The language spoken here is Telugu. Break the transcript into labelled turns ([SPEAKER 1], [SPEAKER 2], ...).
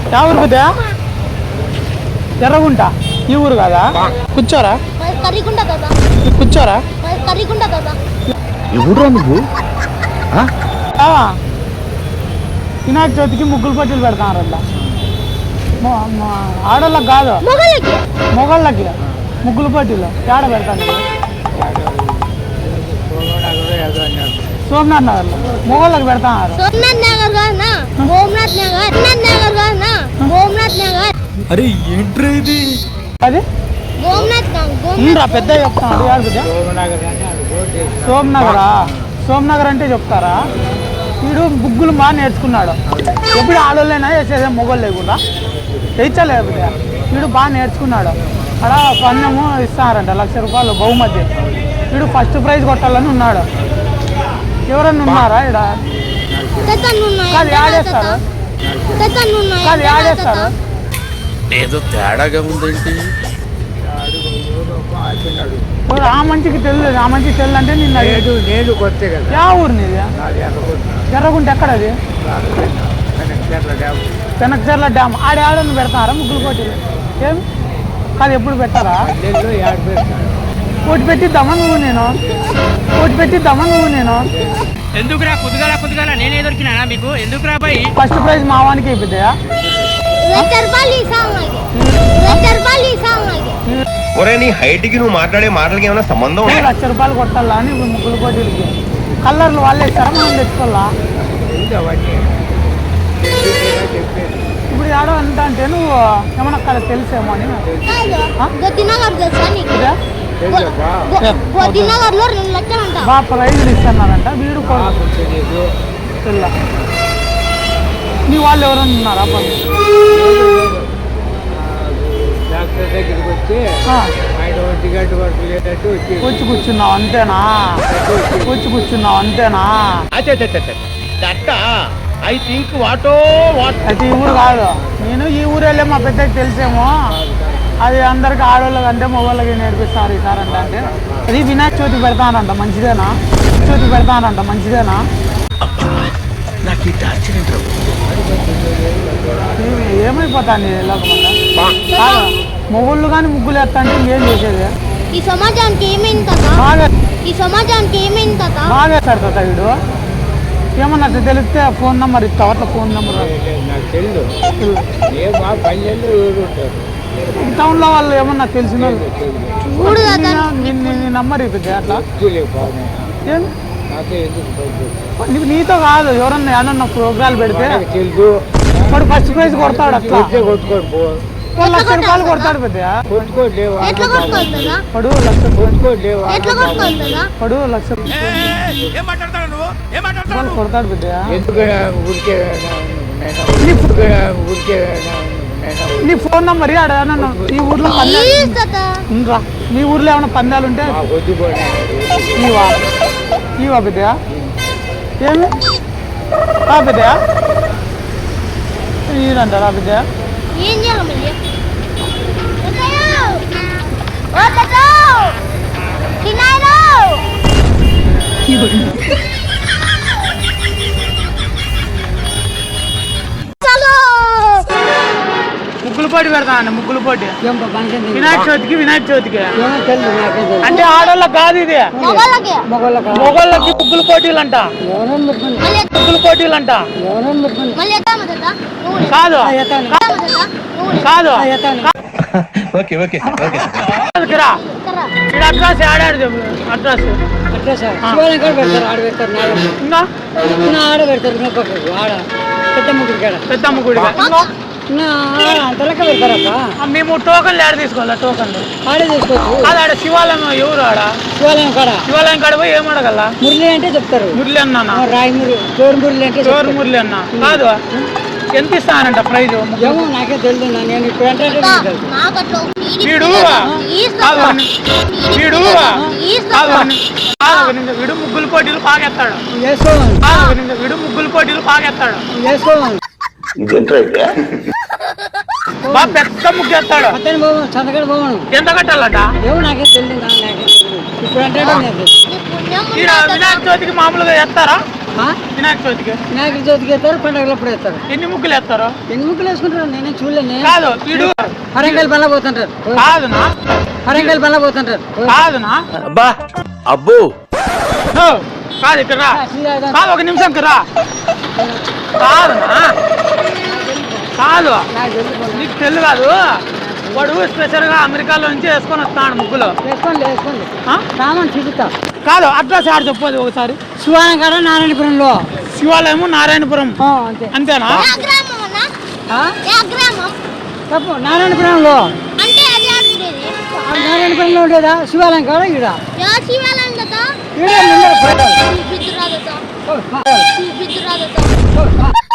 [SPEAKER 1] యా ఊరు పెద్ద? ఎర్రగుంట. ఈ ఊరు కాదా? కూర్చోరా, కూర్చోరా. వినాయక చవితికి ముగ్గులు పోటీలు పెడతారంట. ఆడోళ్ళకి కాదు, మొగోళ్ళకి ముగ్గులు పోటీలు ఏడ పెడతాను? సోమనాథ్ నగర్ లో మొగోళ్ళకి పెడతారు.
[SPEAKER 2] అరే ఏంట్రా ఇది?
[SPEAKER 1] అది పెద్ద చెప్తాను. సోమనగరా? సోమనగర్ అంటే చెప్తారా? వీడు ముగ్గులు బాగా నేర్చుకున్నాడు. ఎప్పుడు ఆడోళ్ళైనా వేసేదే మొగోళ్ళు లేకుండా తెచ్చలేకపోతే వీడు బాగా నేర్చుకున్నాడు. అక్కడ పన్నెము ఇస్తారంట, 1,00,000 రూపాయలు బహుమతి. వీడు ఫస్ట్ ప్రైజ్ కొట్టాలని ఉన్నాడు. ఎవరన్నా ఉన్నారా ఇక్కడ? కాదు ఆడేస్తారు, కాదు ఆడేస్తారు.
[SPEAKER 2] ఏదో తేడాగా ఉందేంటి?
[SPEAKER 1] ఆ మంచికి తెలియదు, ఆ మంచికి తెలియదు అంటే
[SPEAKER 3] నేను కొత్త కదా.
[SPEAKER 1] యా ఊరు నీది? ఎర్రగుంట. ఎక్కడ అది? వెనకచర్ల డ్యామ్. ఆడని పెడతారా ముగ్గులు పోటీలు? ఏం కాదు, ఎప్పుడు పెట్టారా? పోటీ పెట్టిద్దామా నువ్వు నేను? పోటీ పెట్టిద్దామా నువ్వు నేను?
[SPEAKER 4] ఎందుకురా కుదుగాల నేనే దొరికినా మీకు? ఎందుకురా బాయ్?
[SPEAKER 1] ఫస్ట్ ప్రైజ్ మా వానికి అయిపోతాయా?
[SPEAKER 5] ఒరే నీ హైట్ కి నువ్వు మాట్లాడే మాటలకి ఏమైనా సంబంధం?
[SPEAKER 1] 1,00,000 రూపాయలు కొట్టాలా అని ముగ్గులు పోటీలకి. కలర్లు వాళ్ళే ఇస్తారా, మనం తెచ్చుకోవాలా? ఇప్పుడు ఆడో అంట అంటే నువ్వు ఏమన్నా అక్కడ తెలిసేమో అని. బాగా ప్రైజులు ఇస్తున్నారంట. వీడు తెల్ల. నీ వాళ్ళు ఎవరన్నా ఉన్నారా? వచ్చి కూర్చున్నావు అంతేనా? వచ్చి కూర్చున్నావు అంతేనా? అయితే ఈ ఊరు కాదు. నేను ఈ ఊరు వెళ్ళే మా పెద్దకి తెలిసేమో. అది అందరికి ఆడవాళ్ళకి అంటే మొగోళ్ళకి నేర్పిస్తారు ఈసారి అంటే. అది వినాయక చవితి పెడతానంట, మంచిదేనా? చవితి పెడతానంట, మంచిదేనా? ఏమైపోతాను మొగుళ్ళు కానీ ముగ్గులు వేస్తా అంటే ఇంకేం చేసేది?
[SPEAKER 6] ఈ సమాజానికి ఏమైంది
[SPEAKER 1] బాగా వేస్తాడు తాత వీడు. ఏమన్నా తెలిస్తే ఫోన్ నెంబర్ ఇస్తావు? అట్లా ఫోన్ నెంబర్ టౌన్ లో వాళ్ళు ఏమన్నా తెలిసిన నెంబర్ ఇస్తుంది అట్లా. నీతో కాదు, ఎవరన్నా ఏమన్నా ప్రోగ్రాలు పెడితే వాడు ఫస్ట్ ప్రైజ్ కొడతాడు. అట్లా 1,00,000 రూపాయలు కొడతాడు పెద్ద. పడు 1,00,000 రూపాయలు కొడతాడు పెద్ద. నీ ఫోన్ నెంబర్ ఆడన్నా ఈ ఊర్లో ఇంకా మీ ఊర్లో ఏమైనా పందాలు ఉంటే ఇవా పెద్ద? ఏమి పెద్ద ఇదంటారా పెద్ద? ముగ్గులు పోటీ పెడతానండి, ముగ్గులు పోటీ వినాయక చవితికి. వినాయక చవితికి అంటే ఆడోళ్ళకి కాదు, ఇది మొగోళ్ళకి ముగ్గులు పోటీలు అంట. ముగ్గులు పోటీలు అంట. కాదు కాదు అడ్రస్ ఆడాడు. అడ్రస్ పెద్దమ్మ గుడి. మేము టోకన్లు ఆడ తీసుకోవాలా? టోకన్లు ఆడే తీసుకోవచ్చు. ఆడ శివాలయం. ఎవరు ఆడ? శివాలయం కాడ పోయి ఏం అడగల? మురళి అంటే చెప్తారు. మురళి అన్నా? రాయమురళి, మురళి అంటే మురళి అన్న. కాదు, ఎంత ఇస్తానంట ప్రైజ్? నాకే తెలియదు. నేను వీడు ముగ్గులు పోటీలు బాగెత్తాడు. వీడు ముగ్గులు పోటీలు బాగెత్తాడు. పెద్ద ముగ్గు ఎత్తాడు. ఎంత కట్టాలట? వినాయక చవితికి మామూలుగా ఎత్తారా? వినాయక చవితికి
[SPEAKER 3] వినాయక చవితికి వేస్తారు, పండుగలప్పుడు వేస్తారు.
[SPEAKER 1] ఎన్ని ముగ్గులు వేస్తారు?
[SPEAKER 3] ఎన్ని ముగ్గులు వేసుకుంటారు? నేనే చూడలేను.
[SPEAKER 1] కాదు వీడు
[SPEAKER 3] హరంకాయలు పనులు పోతుంటారు.
[SPEAKER 1] కాదునా
[SPEAKER 3] హరంకాయలు పనులు పోతుంటారు.
[SPEAKER 1] కాదునా
[SPEAKER 2] అబ్బా అబ్బో
[SPEAKER 1] ఓ, కాదు ఇక్కడ రా. కాదు ఒక నిమిషం ఇక్కడ రా. కాదునా కాదు నీకు తెలుగు కాదు. వాడు స్పెషల్ గా అమెరికాలో నుంచి వేసుకొని వస్తాడు ముగ్గులు.
[SPEAKER 3] వేసుకోండి వేసుకోండి.
[SPEAKER 1] ఆ?
[SPEAKER 3] రామని చూపిస్తా.
[SPEAKER 1] కాదు అడ్రస్ ఆడ చెప్పదు ఒకసారి.
[SPEAKER 3] శివాలయం కాడ నారాయణపురంలో.
[SPEAKER 1] శివాలయము నారాయణపురం
[SPEAKER 3] అంతే.
[SPEAKER 1] అంతేనా?
[SPEAKER 6] ఏ గ్రామం అన్నా? ఏ గ్రామం?
[SPEAKER 3] తప్పు, నారాయణపురంలో.
[SPEAKER 6] అంటే అది ఆడుకునేది.
[SPEAKER 3] నారాయణపురంలో ఉండేదా శివాలయం కాడ ఈడ.
[SPEAKER 6] యా శివాలయం కదా?
[SPEAKER 3] ఈడ ముందర ఫోటోలు.
[SPEAKER 6] బిద్దురాదతో.
[SPEAKER 3] ఓ,
[SPEAKER 6] బిద్దురాదతో.